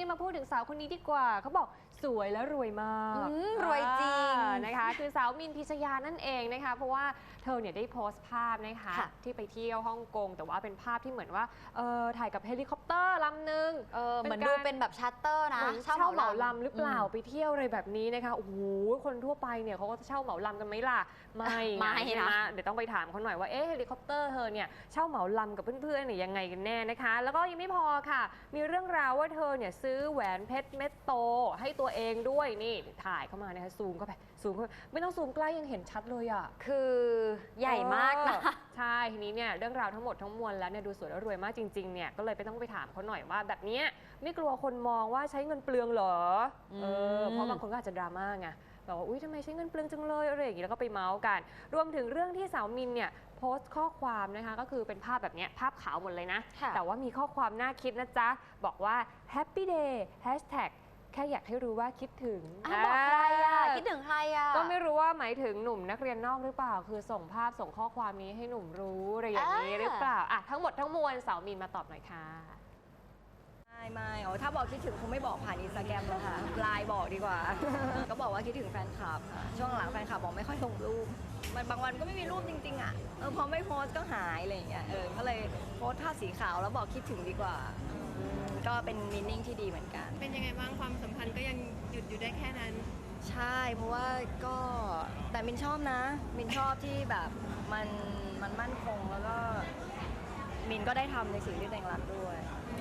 มาพูดถึงสาวคนนี้ดีกว่าเขาบอกสวยและรวยมากรวยจริงนะคะคือสาวมินพิชยานั่นเองนะคะเพราะว่าเธอเนี่ยได้โพสต์ภาพนะคะที่ไปเที่ยวฮ่องกงแต่ว่าเป็นภาพที่เหมือนว่าถ่ายกับเฮลิคอปเตอร์ลำหนึ่งเหมือนดูเป็นแบบชัตเตอร์นะเช่าเหมาลำหรือเปล่าไปเที่ยวอะไรแบบนี้นะคะโอ้โหคนทั่วไปเนี่ยเขาก็จะเช่าเหมาลำกันไหมล่ะไม่นะเดี๋ยวต้องไปถามเขาหน่อยว่าเฮลิคอปเตอร์เธอเนี่ยเช่าเหมาลำกับเพื่อนๆเนี่ยยังไงกันแน่นะคะแล้วก็ยังไม่พอค่ะมีเรื่องราวว่าเธอเนี่ยซื้อแหวนเพชรเม็ดโตให้ตัวเองด้วยนี่ถ่ายเข้ามานะคะซูมเข้าไปไม่ต้องซูมใกล้ยังเห็นชัดเลยอ่ะคือใหญ่มากนะใช่ทีนี้เนี่ยเรื่องราวทั้งหมดทั้งมวลแล้วเนี่ยดูสวยและรวยมากจริงๆเนี่ยก็เลยไปต้องไปถามเขาหน่อยว่าแบบนี้ไม่กลัวคนมองว่าใช้เงินเปลืองเหรอเพราะบางคนก็อาจจะดราม่าไงแบบว่าอุ้ยทำไมใช้เงินเปลืองจังเลยอะไรอย่างงี้แล้วก็ไปเมาส์กันรวมถึงเรื่องที่สาวมินเนี่ยโพสต์ข้อความนะคะก็คือเป็นภาพแบบนี้ภาพขาวหมดเลยนะแต่ว่ามีข้อความน่าคิดนะจ๊ะบอกว่า Happy Day Hashtagแค่อยากให้รู้ว่าคิดถึงบอกใครคิดถึงใครก็ไม่รู้ว่าหมายถึงหนุ่มนักเรียนนอกหรือเปล่าคือส่งภาพส่งข้อความนี้ให้หนุ่มรู้อะไรอย่างนี้หรือเปล่าทั้งหมดทั้งมวลสาวมินมาตอบหน่อยค่ะไม่ถ้าบอกคิดถึงคงไม่บอกผ่านอินสตาแกรมแล้วค่ะไลน์บอกดีกว่า ก็บอกว่าคิดถึงแฟนคลับค่ะช่วงหลังแฟนคลับบอกไม่ค่อยลงรูปมันบางวันก็ไม่มีรูปจริงๆอ่ะพอไม่โพสก็หายอะไรอย่างเงี้ยก็เลยโพสภาพสีขาวแล้วบอกคิดถึงดีกว่าก็เป็นมีนิ่งที่ดีเหมือนกันเป็นยังไงบ้างความสัมพันธ์ก็ยังหยุดอยู่ได้แค่นั้นใช่เพราะว่าก็แต่มินชอบนะมินชอบที่แบบมันมั่นคงแล้วก็มินก็ได้ทำในสิ่งที่ตัวเองรักด้วย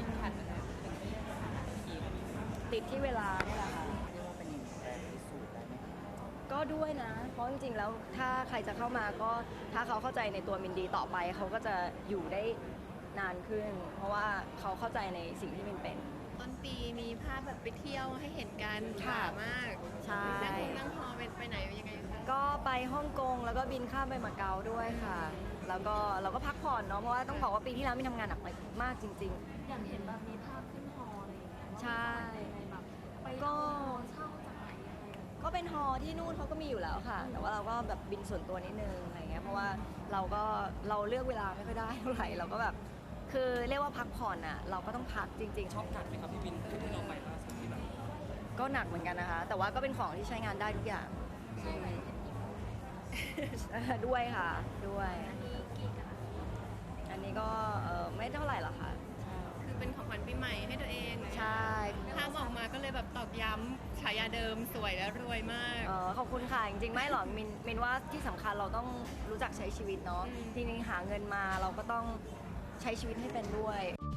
ติดที่เวลานี่แหละค่ะก็ด้วยนะเพราะจริงๆแล้วถ้าใครจะเข้ามาก็ถ้าเขาเข้าใจในตัวมินดีต่อไปเขาก็จะอยู่ได้นานขึ้นเพราะว่าเขาเข้าใจในสิ่งที่มินเป็นต้นปีมีภาพแบบไปเที่ยวให้เห็นกันค่ะมากใช่นั่งฮอไปไหนยังไงคะก็ไปฮ่องกงแล้วก็บินข้ามไปมาเก๊าด้วยค่ะแล้วก็เราก็พักผ่อนเนาะเพราะว่าต้องบอกว่าปีที่แล้วมินทำงานหนักมากจริงๆอย่างเห็นแบบมีภาพขึ้นฮออะไรอย่างเงี้ยใช่แบบไปเช่าจากไหนก็เป็นฮอที่นู่นเขาก็มีอยู่แล้วค่ะแต่ว่าเราก็แบบบินส่วนตัวนิดนึงอะไรเงี้ยเพราะว่าเราเลือกเวลาไม่ค่อยได้เท่าไหร่เราก็แบบคือเรียกว่าพักผ่อนอ่ะเราก็ต้องพักจริงๆชอบหนักไหมครับพี่บินที่เราไปล่าสุดที่แบบก็หนักเหมือนกันนะคะแต่ว่าก็เป็นของที่ใช้งานได้ทุกอย่างด้วยค่ะด้วยอันนี้กี่กะอันนี้ก็ไม่เท่าไหร่หรอกค่ะคือเป็นของขวัญปีใหม่ให้ตัวเองใช่ภาพออกมาก็เลยแบบตอกย้ำฉายาเดิมสวยและรวยมากขอบคุณค่ะจริงๆไม่หรอกมินว่าที่สำคัญเราต้องรู้จักใช้ชีวิตเนาะทีนี้หาเงินมาเราก็ต้องใช้ชีวิตให้เป็นด้วย